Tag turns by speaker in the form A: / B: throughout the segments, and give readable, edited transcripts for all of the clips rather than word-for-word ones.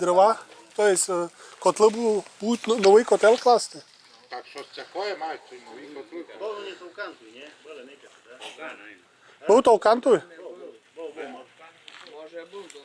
A: дрова. Тобто котли будуть новий котел класти.
B: Так щось таке мають, цей новий котли.
C: Вони товкантуй, ні? Були не так?
A: Був толкантовий?
D: Може бути,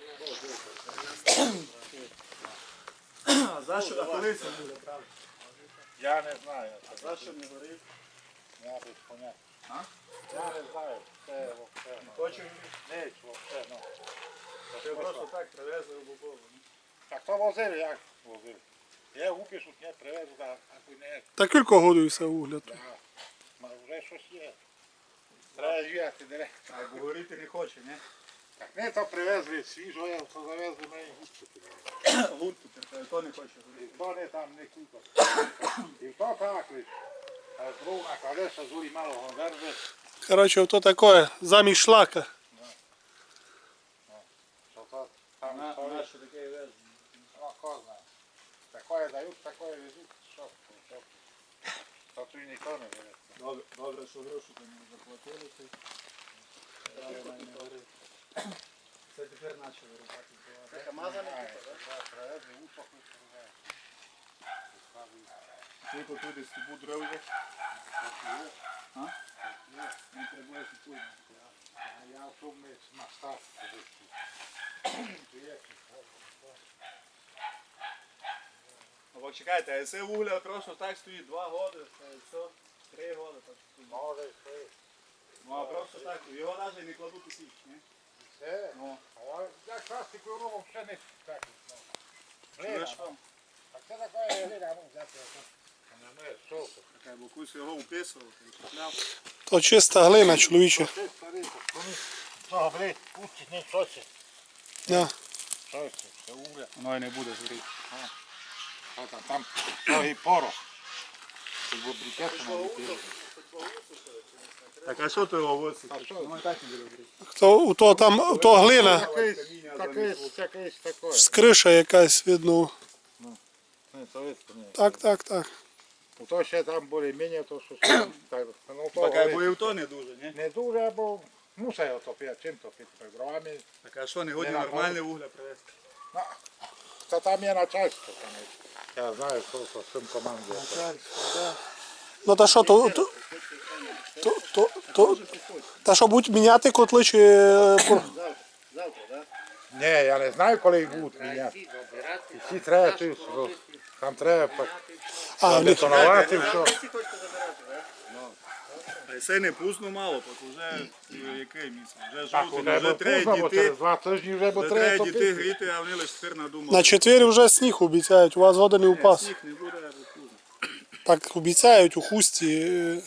C: А за що колись не буде, правда?
B: Я не знаю.
C: За що не горить?
B: Я без поняття.
C: А?
B: Я не знаю. Це вовсе.
C: Хочу.
B: Ніч вовсе, ну.
C: Ти просто так привезли в Бобову.
B: Так то возили, як возили? Я упишу, не привезу, а не.
A: Та кілька годується вугляд.
B: Да. Ма вже щось є. Треба зв'яти директно.
C: А бо горіти не хоче, ні?
B: Так не то привезли свіжо, я то завезли мені густо.
C: Гурту, то не хоче горіти.
B: То не там не купа. І то так лиш. А зровна колеса зурі мало гонверзе.
A: Коротше, то таке, замість шлака.
B: Що то там стоїть.
C: Наше таке везли.
B: Ну, хто знає. Такое дають, такое везуть. Що? То тут ніхто не бере.
C: Добре, що гроші там не заплатили. Це тепер почали рубати.
D: Така мазана
B: Привезли усохли.
C: Тільки туди стебу дров є. А? Не треба купуємо.
B: Я в тому на старт.
C: Або чекайте, а це вугля просто так стоїть 2 роки, це 3 роки.
B: Може і все.
C: Ну а просто так, його навіть не кладуть у січ, ні?
B: Все.
C: Ну,
B: А як пластикову робом ще не так.
C: чуєш
B: Глина.
C: вам?
B: А це таке глина, ну взяти. Не мене солко.
C: Така бокусь його уписував, купляв.
A: То чиста глина, чоловіче.
B: Це старий, ну, блядь, пустить, не щось.
A: Да.
B: Щось, це угля.
C: Воно і не буде згоріти.
B: Там трохи порох. Щоб брикету не летіло.
C: Так а що ти його висить?
B: А що?
C: Воно і так не буде згоріти.
A: То, то там, то глина,
B: Такий такий.
A: з криша якась видно.
B: Не, то видно, ні.
A: Так.
B: То ще там більш-менш, то що там, так, ну то
C: Так а
B: горить.
C: бо і то не дуже, ні?
B: Не дуже, або мусить отопити, чим топити, так дровами.
C: Так а що, не годі
B: Не
C: нормальне вугля привезти?
B: Та там є начальство. Я знаю, що з цим командує.
A: Ну та що, та що будуть міняти котли чи...
D: Завтра, так?
B: Ні, я не знаю, коли їх будуть міняти. Всі треба, там треба бетонувати, все.
D: Всі хочете забирати, так?
C: А це не пусто мало, так вже який місяць? Вже
B: Так,
C: жовтень,
B: уже
C: вже треба
B: поздно, бо через
C: діти.
B: 2 тижні вже бо
C: Вже
B: треба
C: треба діти
B: топити.
C: гріти, а вони лише тепер надумали.
A: На четвері вже сніг обіцяють, у вас вода не упас.
C: Сніг не буде, або пізно.
A: Так обіцяють у хусті.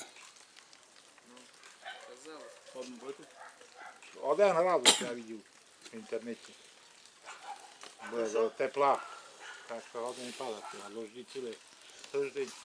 C: Одну бити.
B: Один раз я бачив в інтернеті. Буде тепла. Так що один падати, а дожді цілий тиждень.